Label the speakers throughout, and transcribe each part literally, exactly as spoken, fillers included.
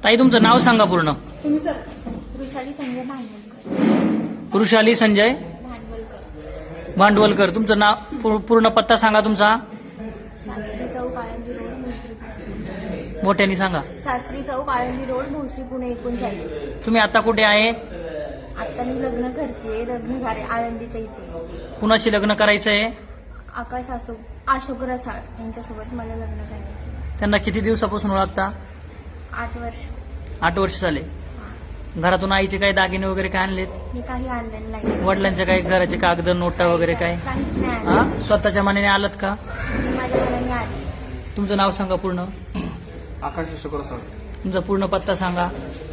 Speaker 1: ताई तुमचं नाव सांगा पूर्ण.
Speaker 2: तुम्ही सर. वृषाली संजय भांडवलकर.
Speaker 1: वृषाली संजय
Speaker 2: भांडवलकर.
Speaker 1: भांडवलकर. तुमचं नाव पू- पूर्ण पत्ता सांगा तुमचा.
Speaker 2: शास्त्री चौक आळंदी रोड भोसरी.
Speaker 1: मोठ्याने सांगा.
Speaker 2: शास्त्री चौक आळंदी रोड भोसरी पुणे एकोणचाळीस.
Speaker 1: तुम्ही आता कुठे आहे?
Speaker 2: आता मी लग्न करते. लग्न झाले आळंदीच्या इथे.
Speaker 1: कुणाशी लग्न करायचंय?
Speaker 2: आकाश अशोक अशोक रसाळ यांच्यासोबत मला लग्न करायचं.
Speaker 1: त्यांना किती दिवसापासून ओळखता?
Speaker 2: आठ वर्ष.
Speaker 1: आठ वर्ष झाले. घरातून आईचे काही दागिने वगैरे काय आणलेत?
Speaker 2: मी काही आणलेलं नाही.
Speaker 1: वडिलांच्या काही घराचे कागद नोटा वगैरे काय?
Speaker 2: काहीच नाही
Speaker 1: हा
Speaker 2: आणलं.
Speaker 1: स्वतःच्या मनाने आलात का?
Speaker 2: मी माझ्या मनाने आले.
Speaker 1: तुमचं नाव सांगा पूर्ण.
Speaker 3: आकाश अशोक रसाळ.
Speaker 1: तुमचा पूर्ण पत्ता सांगा.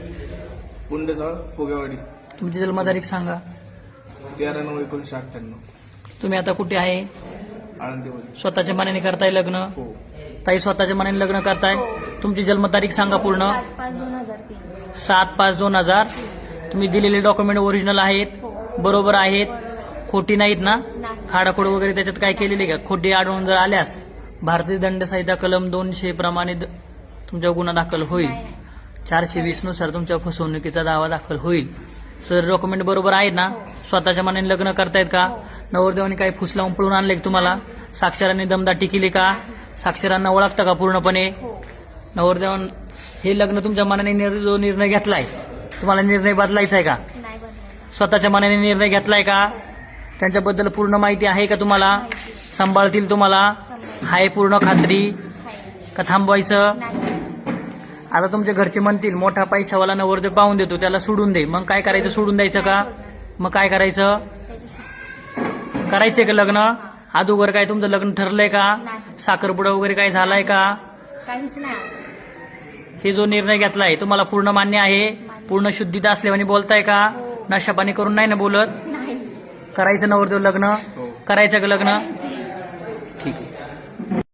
Speaker 3: पुंडेजवळ फुगेवाडी.
Speaker 1: तुमची जन्मतारीख सांगा.
Speaker 3: तेरा नऊ एकोणीसशे अठ्ठ्याण्णव.
Speaker 1: तुम्ही आता कुठे आहे?
Speaker 3: आळंदीमध्ये.
Speaker 1: स्वतःच्या मनाने करताय लग्न?
Speaker 3: हो.
Speaker 1: ताई स्वतःच्या मनाने लग्न करताय?
Speaker 2: हो.
Speaker 1: तुमची जन्मतारीख सांगा पूर्ण.
Speaker 2: सात पाच दोन हजार तीन.
Speaker 1: सात पाच दोन हजार. तुम्ही दिलेले डॉक्युमेंट ओरिजिनल आहेत?
Speaker 2: हो.
Speaker 1: बरोबर आहेत?
Speaker 2: बरोबर.
Speaker 1: खोटी नाहीत ना?
Speaker 2: नाही.
Speaker 1: खाडाखोड वगैरे त्याच्यात काय केलेली का? खोटी आढळून जर आल्यास भारतीय दंड संहिता कलम दोनशे प्रमाणे द- तुमच्या गुन्हा दाखल होईल.
Speaker 2: नाही, नाही.
Speaker 1: चारशे वीस नुसार तुमच्या फसवणुकीचा दावा दाखल होईल. सर डॉक्युमेंट बरोबर आहेत ना?
Speaker 2: हो.
Speaker 1: स्वतःच्या मनाने लग्न करतायत का?
Speaker 2: हो.
Speaker 1: नवरदेवाने काही फुस लावून पळून आणले का तुम्हाला? साक्षरांनी दमदाटी केली का? साक्षरांना ओळखता का पूर्णपणे?
Speaker 2: हो.
Speaker 1: नवरदेवान हे लग्न तुमच्या मनाने निर- जो निर्णय घेतलाय तुम्हाला निर्णय बदलायचा आहे का?
Speaker 2: नाही बनवायचं.
Speaker 1: स्वतःच्या मनाने निर्णय घेतलाय का? त्यांच्याबद्दल पूर्ण माहिती आहे का तुम्हाला?
Speaker 2: माहिती.
Speaker 1: सांभाळतील तुम्हाला?
Speaker 2: सांभाळतील.
Speaker 1: हाय पूर्ण खात्री
Speaker 2: आहे.
Speaker 1: का थांबवायचं?
Speaker 2: नाही.
Speaker 1: आता तुमचे घरचे म्हणतील मोठा पैशावाला नवरदेव पाहून देतो त्याला सोडून दे. मग काय करायचं? सोडून द्यायचं का? मग काय करायचं?
Speaker 2: त्याच्याशी
Speaker 1: करायचंय का लग्न? अगोदर काय तुमचं लग्न ठरलंय का?
Speaker 2: नाही.
Speaker 1: साखरपुडा वगैरे काय झालाय का?
Speaker 2: काहीच नाही अजून.
Speaker 1: हे जो निर्णय घेतलाय तुम्हाला पूर्ण मान्य आहे? पूर्ण शुद्धीता असल्याने बोलताय का?
Speaker 2: हो.
Speaker 1: नशापाणी करून नाही ना बोलत?
Speaker 2: नाही.
Speaker 1: करायचं नवरदेव लग्न?
Speaker 3: हो.
Speaker 1: करायचं का लग्न?
Speaker 2: काहीच नाही.
Speaker 1: ठीक आहे.